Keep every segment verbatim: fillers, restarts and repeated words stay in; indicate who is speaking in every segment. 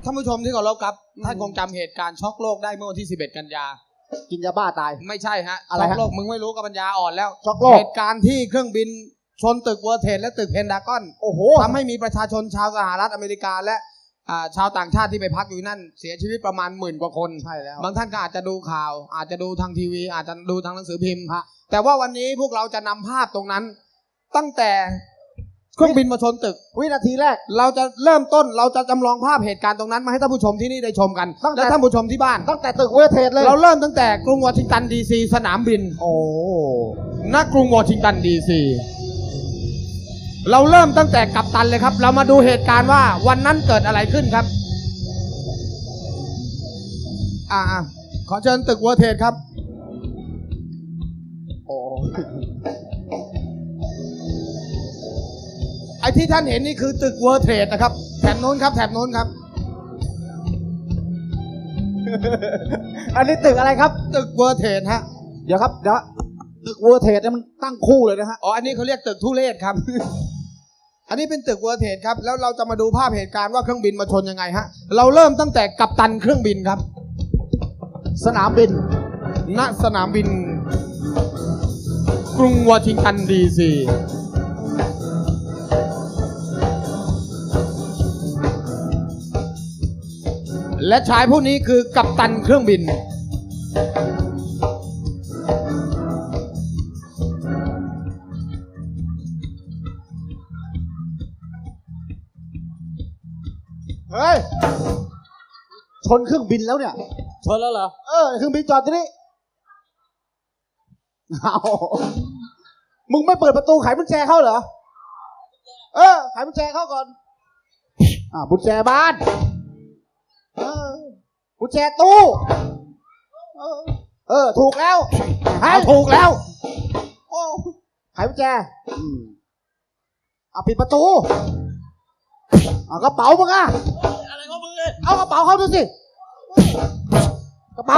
Speaker 1: ท่านผู้ชมที่เคารพครับท่านคงจำเหตุการณ์ช็อกโลกได้เมื่อวันที่สิบเอ็ดกันยา
Speaker 2: กินยาบ้าตาย
Speaker 1: ไม่ใช่ฮะ
Speaker 2: อะไร
Speaker 1: ช็อกโลกมึงไม่รู้กับปัญญาอ่อนแล้ว
Speaker 2: ช็อกโลก
Speaker 1: เหตุการณ์ที่เครื่องบินชนตึกเวิร์ลด์เทรดและตึกเพนทากอนโอ้โหทำให้มีประชาชนชาวสหรัฐอเมริกาและชาวต่างชาติที่ไปพักอยู่นั่นเสียชีวิตประมาณหมื่นกว่าคนใช่แล้วบางท่านก็อาจจะดูข่าวอาจจะดูทางทีวีอาจจะดูทางหนังสือพิมพ์แต่ว่าวันนี้พวกเราจะนำภาพตรงนั้นตั้งแต่เครื่องบินมาชนตึก
Speaker 2: วินาทีแรก
Speaker 1: เราจะเริ่มต้นเราจะจำลองภาพเหตุการณ์ตรงนั้นมาให้ท่านผู้ชมที่นี่ได้ชมกันและท่านผู้ชมที่บ้าน
Speaker 2: ตั้งแต่ตึกเวิร์ลด์เทรดเลย
Speaker 1: เราเริ่มตั้งแต่กรุงวอชิงตันดีซีสนามบิน
Speaker 2: โอ้
Speaker 1: ณกรุงวอชิงตันดีซีเราเริ่มตั้งแต่กัปตันเลยครับเรามาดูเหตุการณ์ว่าวันนั้นเกิดอะไรขึ้นครับอ่าขอเชิญตึกเวิร์ลด์เทรดครับ
Speaker 2: โอ้
Speaker 1: ไอ้ที่ท่านเห็นนี่คือตึกเวิร์ลด์เทรดนะครับแถบโน้นครับแถบโน้นครับ
Speaker 2: อันนี้ตึกอะไรครับ
Speaker 1: ตึกเวิร์ลด์เทรดฮะ
Speaker 2: เดี๋ยวครับเดี๋ยวตึกเวิร์ลด์เทรดเนี่ยมันตั้งคู่เลยนะฮะ
Speaker 1: อ๋ออันนี้เขาเรียกตึกทุเรศครับ อันนี้เป็นตึกเวิร์ลด์เทรดครับแล้วเราจะมาดูภาพเหตุการณ์ว่าเครื่องบินมาชนยังไงฮะเราเริ่มตั้งแต่กัปตันเครื่องบินครับ
Speaker 2: สนามบิน
Speaker 1: ณสนามบินกรุงวอชิงตันดีซีและชายผู้นี้คือกัปตันเครื่องบิน
Speaker 2: เฮ้ยชนเครื่องบินแล้วเนี่ย
Speaker 1: ชนแล้วเหรอ
Speaker 2: เออเครื่องบินจอดที่นี่เอามึงไม่เปิดประตูไขกุญแจเข้าเหรอเออไขกุญแจเข้าก่อนอ่ากุญแจบ้านเออกุญแจตู้เออเออถูกแล้ว
Speaker 1: เอาถูกแล้ว
Speaker 2: โอ้ไขกุญแจอืมเอาปิดประตูเอากระเป๋ามึงอะ
Speaker 1: อะไรของมึงเลย
Speaker 2: เอากระเป๋าเข้าดูสิกระเป๋า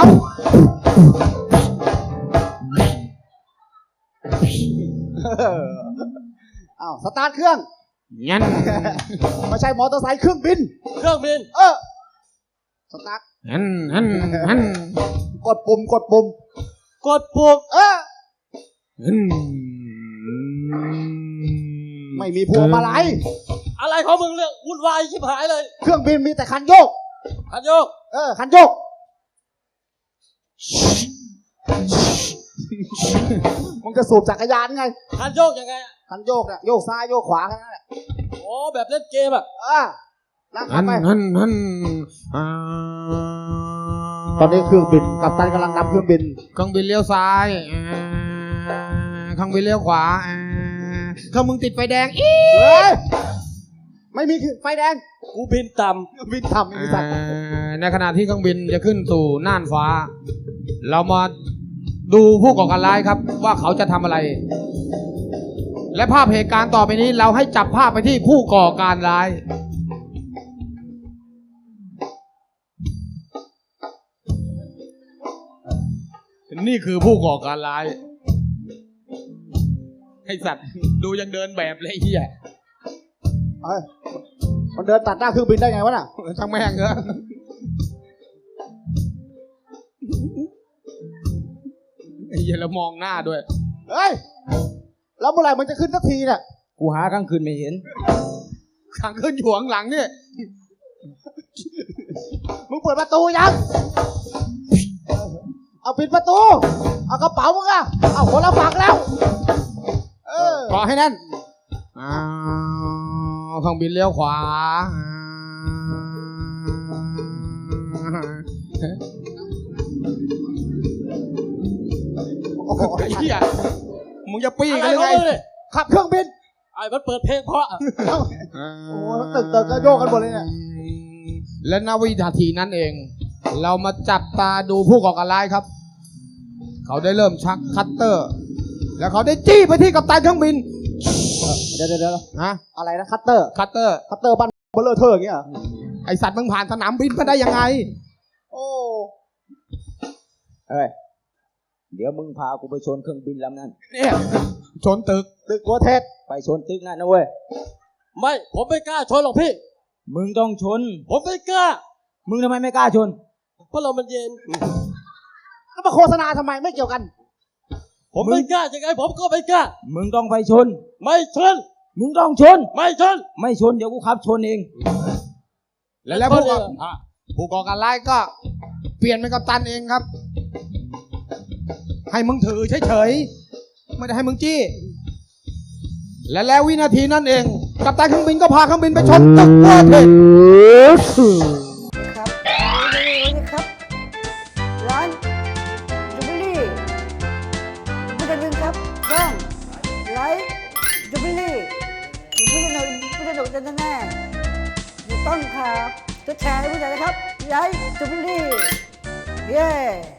Speaker 2: อ้าวสตาร์ทเครื่อง
Speaker 1: งั้น
Speaker 2: ไม่ใช่มอเตอร์ไซค์เครื่องบิน
Speaker 1: เครื่องบิน
Speaker 2: เออสตาร์ท
Speaker 1: งั้นงั้นงั้น
Speaker 2: กดปุ่มกดปุ่ม
Speaker 1: กดปุ่ม
Speaker 2: เออไม่มีพวงมาลัย
Speaker 1: อะไรของมึงเรื่องวุ่นวายชิบหายเลย
Speaker 2: เครื่องบินมีแต่คันโยก
Speaker 1: คันโยก
Speaker 2: เออคันโยกมึงจะสูบจักรยานไง
Speaker 1: คันโยกยังไง
Speaker 2: คันโยกเนี่ยโยกซ้ายโยกขวาแค่นั้นแหละ
Speaker 1: โอ้แบบเล่นเกมอ่ะ
Speaker 2: อ่านั่งขับไป
Speaker 1: นั่นนั่น
Speaker 2: ตอนนี้เครื่องบินกัปตันกำลังนำเครื่องบิน
Speaker 1: เครื่องบินเลี้ยวซ้ายเครื่องบินเลี้ยวขวาเครื่องมึงติดไฟแดงอี
Speaker 2: ไม่มีไฟแดง
Speaker 1: กูบินต่ำ
Speaker 2: บินต่ำไม่มีสัตว์
Speaker 1: ในขณะที่เครื่องบินจะขึ้นสู่น่านฟ้าเรามาดูผู้ก่อการร้ายครับว่าเขาจะทำอะไรและภาพเหตุการณ์ต่อไปนี้เราให้จับภาพไปที่ผู้ก่อการร้ายนี่คือผู้ก่อการร้ายไอ้สัตว์ดูยังเดินแบบเลยไอ้เหี้ย
Speaker 2: มันเดินตัดหน้าเครื่องบินได้ไงวะน่ะ
Speaker 1: ช่างแม่งเถอะไอ้เหี้ยแล้วมองหน้าด้วย
Speaker 2: เฮ้ยแล้วเมื่อไหร่มันจะขึ้นสักทีเนี่ย
Speaker 1: กูหากลางคืนไม่เห็นกลางคืนอยู่ข้างหลังเนี่ย
Speaker 2: มึงเปิดประตูยังเอาปิดประตูเอากระเป๋ามึงอะเอาคนละฝั่งแล้ว
Speaker 1: เออขอให้แน่นอ้าวเครื่องบินเลี้ยวขวาโอ้โหไอ้เหี้ยมึงจะปี้กันยังไง
Speaker 2: ขับเครื่องบิน
Speaker 1: ไอ้มันเปิดเพลงเพราะ
Speaker 2: โอ้ตึกตึกก็โยกกันหมดเลยเนี่ย
Speaker 1: และณวินาทีนั้นเองเรามาจับตาดูผู้ก่อการร้ายครับเขาได้เริ่มชักคัตเตอร์แล้วเขาได้จี้ไปที่กัปตันเครื่องบิน
Speaker 2: เดี๋ยวเดี๋ยวฮะอะไรนะคัตเตอร์
Speaker 1: คัตเตอร์
Speaker 2: คัตเตอร์บ้านเบลเลอร์เธออย่างเงี้ย
Speaker 1: ไอสัตว์มึงผ่านสนามบินมาได้ยังไง
Speaker 2: โอ้เอ้ยเดี๋ยวมึงพากูไปชนเครื่องบินลำนั้น
Speaker 1: เนี่ยชนตึก
Speaker 2: ตึกหัวเทศไปชนตึกนั่นนะเว้ย
Speaker 1: ไม่ผมไม่กล้าชนหรอกพี่
Speaker 2: มึงต้องชน
Speaker 1: ผมไม่กล้า
Speaker 3: มึงทำไมไม่กล้าชน
Speaker 4: เพราะเรามันเย็น
Speaker 2: แล้วมาโฆษณาทำไมไม่เกี่ยวกัน
Speaker 4: ผมไม่กล้ายังไงผมก็ไม่กล้า
Speaker 3: มึงต้องไปชน
Speaker 4: ไม่ชน
Speaker 3: มึงต้องชน
Speaker 4: ไม่ชน
Speaker 3: ไม่ชนเดี๋ยวกูขับชนเอง
Speaker 1: แล้วแล้วผู้ก่ออ่ะผู้ก่อการร้ายก็เปลี่ยนเป็นกัปตันเองครับ ให้มึงถือเฉยๆไม่ได้ให้มึงจี้ และแล้ววินาทีนั้นเอง กัปตันเครื่องบินก็พาเครื่องบินไปชนตึกเวอร์เทน
Speaker 5: ครับวันนี้ครับ ร้านจูบิลี่ไม่ได้ลืมครับช่องไลฟ์จูบิลี่อยู่ไม่ได้หนุนไม่ได้หนุนแน่ๆอยู่ต้องครับจะแชร์ให้ผู้ใหญ่นะครับไลฟ์จูบิลี่เย้